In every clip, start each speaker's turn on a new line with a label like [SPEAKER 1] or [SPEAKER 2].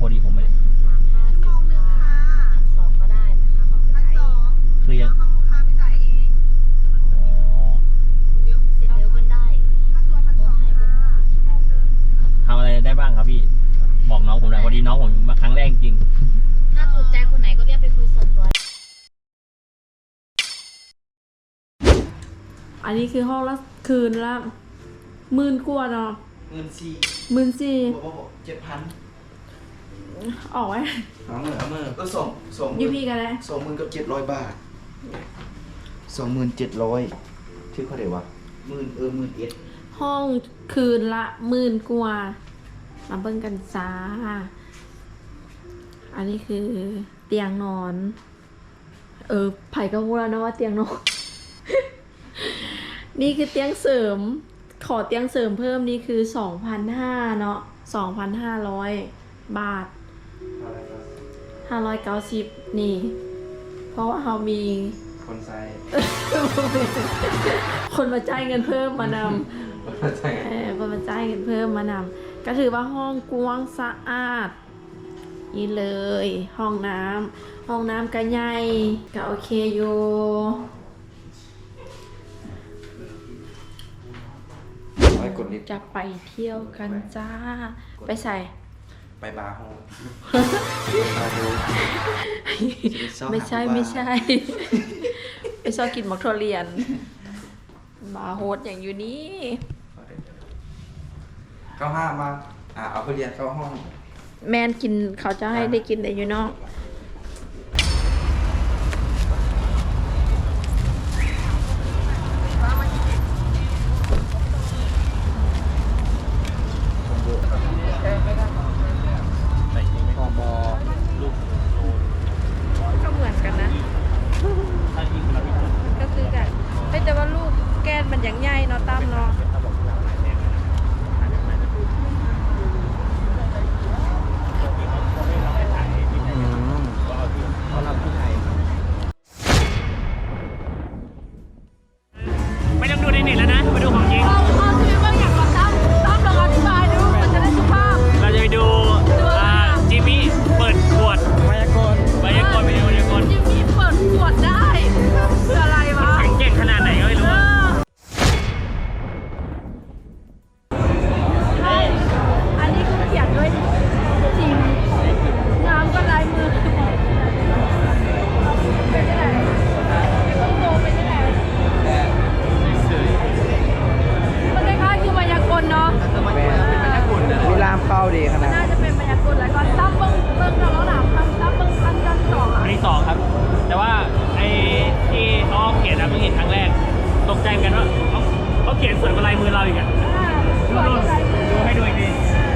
[SPEAKER 1] พอดีผมไม่ได้
[SPEAKER 2] 350ค่ะ1,200ก็ได้นะคะห้องไปจ่าย
[SPEAKER 1] คือยัง
[SPEAKER 3] ห้องลูกค้าไปจ่ายเอง
[SPEAKER 1] อ๋อ
[SPEAKER 2] เสร็จเร็วก็ได้
[SPEAKER 3] ค่าตัว1,200ค่ะชั่วโมงนึง
[SPEAKER 1] ทำอะไรได้บ้างครับพี่บอกน้องผมหน่อยพอดีน้องผมมาครั้งแรกจริง
[SPEAKER 2] ถ้าถูกใจคนไหนก็เรียกไปคุยส่วนตัว
[SPEAKER 4] อันนี้คือห้องละคืนละ10,000 กว่าเนาะ14,000
[SPEAKER 5] บอก7,000
[SPEAKER 4] ออกไว้
[SPEAKER 5] เอามือก็ส่ง
[SPEAKER 4] ยูพีกันเลย
[SPEAKER 5] 20,000กับ700 บาท 27,000ชื่อเขาเดี๋ยววะ11,000
[SPEAKER 4] ห้องคืนละ10,000 กว่ามาเบิ่งกันจ้าอันนี้คือเตียงนอนไผ่ก็รู้แล้วนะว่าเตียงนอน นี่คือเตียงเสริมขอเตียงเสริมเพิ่มนี่คือ 2,500 เนาะ 2,500 บาท 590นี่เพราะว่าเรามี
[SPEAKER 5] คนไซ
[SPEAKER 4] คนมาจ่ายเงินเพิ่มมานำคนมาจ่ายเงินเพิ่มมานำก็ถือว่าห้องกว้างสะอาดนี่เลยห้องน้ำก็ใหญ่ก็โอเคอยู่จะไปเที่ยวกันจ้าไปใส่
[SPEAKER 5] ไปบาร์โฮส
[SPEAKER 4] ไม่ใช่ ไปชอบกินมักทุเรียนบาร์โฮสอย่างอยู่นี่
[SPEAKER 5] เข้าห้ามาเอาไปเรียนเข้าห้อง
[SPEAKER 4] แมนกินเขาจะให้ได้กินแต่อยู่นอกก็เหมือนกันนะก็คือกันแต่ว่าลูกแก้นมันอย่างใหญ่เนาะตั้มเนาะ
[SPEAKER 1] ไม่ต้องดูในเน็ตแล้วนะมาดูของจริงเราจะไปดูจิมมี่เปิดขวดไวยากรณ์ไปดูไวยากรณ์
[SPEAKER 4] จิมมี่เปิดขวดได้คืออะไรวะ
[SPEAKER 1] แข็งเก่งขนาดไหนก็ไม่รู้
[SPEAKER 4] อันนี้คือเขียนด้วยจิมน้ำก็ลายมือเป็นยังไงต้องโตเป็นยังไงมันคล้ายๆคือมายากลเนาะ
[SPEAKER 5] มีรามเข้าดีขนาด
[SPEAKER 4] น่าจะเป็นมายากลแล้วก็ตั้มเบิ้งเราถามตั้มเบิ้งอันดับ2
[SPEAKER 1] อันที่2ครับแต่ว่าไอ้ที่เขาเขียนนะเพิ่งเห็นครั้งแรกตกใจกันว่าเขาเขียนสวยกว่าลายมือเราอีกอ่ะดูให้ดูอีกที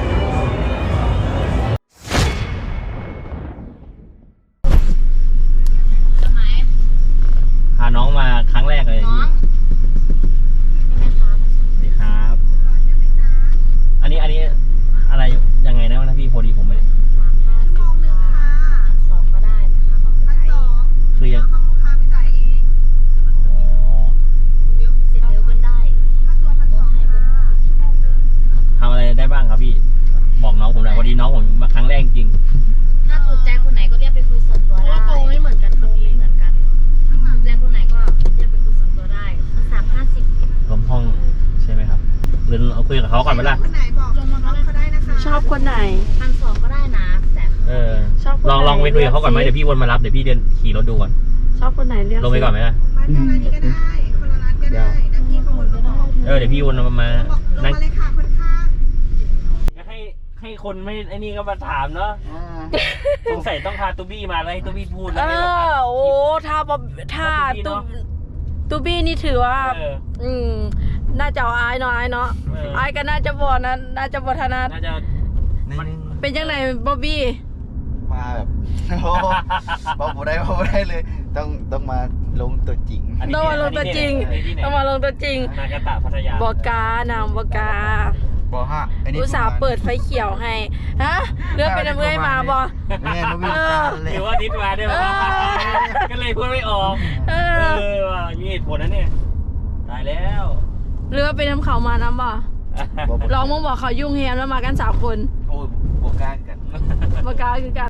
[SPEAKER 1] พาน้องมาครั้งแรกเลย
[SPEAKER 2] น้องใช่ไหมคะ
[SPEAKER 1] สวัสดีครับอันนี้อะไรยังไงนะพี่พอดีผมไม่
[SPEAKER 2] 350ค่ะ1,200ก็ได้นะคะห้องไปจ่าย
[SPEAKER 1] คือยัง
[SPEAKER 3] ห้องลูกค้าไปจ่ายเอง
[SPEAKER 1] อ๋อ
[SPEAKER 2] เสร็จเร็วก็ได้
[SPEAKER 3] ค่าตัว1,200ค่ะชั่วโมงนึง
[SPEAKER 1] ทำอะไรได้บ้างครับพี่บอกน้องผมหน่อยพอดีน้องผมมาครั้งแรกจริง
[SPEAKER 2] ถ้าถูกใจคนไหนก็เรียกไปคุยส่วนตัวได้เพราะว่าโปรไม่เหมือนกันค่ะไม่เหมือนกันถูกใจคนไหนก็เรียกไปคุยส่วนตัวได้350
[SPEAKER 1] รวมห้องใช่ไหมครับหรือเอาคุยกับเขาก่อนไหมล่ะ
[SPEAKER 3] คนไหนบอกลงมาเขาได้นะคะ
[SPEAKER 4] ชอบคนไหน
[SPEAKER 2] 1,200ก็ได้นะแต่
[SPEAKER 4] ชอบคนไหน
[SPEAKER 1] ลองไปคุยกับเขาก่อนไหมเดี๋ยวพี่วนมารับเดี๋ยวพี่เดินขี่รถดูก่อน
[SPEAKER 4] ชอบคนไหนเลือก
[SPEAKER 1] ลงไปก่อนไหมล่ะ
[SPEAKER 3] มาทางร้านนี้ก็ได้คนละร้านก็ได้แล้วพี่เขาวนมาบอก
[SPEAKER 1] เดี๋ยวพี่วนมา
[SPEAKER 3] ลง
[SPEAKER 1] นั่ง
[SPEAKER 3] มาเลยค่ะคนข้าง
[SPEAKER 1] ให้คนไม่ไอ้นี่ก็มาถามเนาะสงสัยต้องพาตูบี้มาแล้วให้ตูบี้พูดแล้วไม่ต้องพา
[SPEAKER 4] โอ้ถ้าตูบี้นี่ถือว่าน่าจะเอาอายเนาะอายก็น่าจะบ่นะน่าจะบ่ถนัด
[SPEAKER 1] น่าจะ
[SPEAKER 4] เป็นยังไงบ๊อบบี้
[SPEAKER 5] มาแบบบอกได้เลยต้องมาลงตัวจริง
[SPEAKER 4] ต้องมาลงตัวจริง
[SPEAKER 1] นากาตะพัทยา
[SPEAKER 4] บอกานำบอกา
[SPEAKER 5] บอกฮะ
[SPEAKER 4] อุตส่าห์เปิดไฟเขียวให้ฮะเลือกเป็นน้ำเงยมาบอ
[SPEAKER 5] แม่นุ้ยเลย
[SPEAKER 1] หรือว่านิดมาได้ไหมก็เลยพูดไม่ออกว่ะมีเหตุผลนะเนี่ยตายแล้ว
[SPEAKER 4] เลือกเป็นน้ำเขามาน้ำบ่ลองมึงบอกเขายุ่งแฮมแล้วมากัน3 คน
[SPEAKER 5] โอ้บวกกล้ากัน
[SPEAKER 4] บกาคือกัน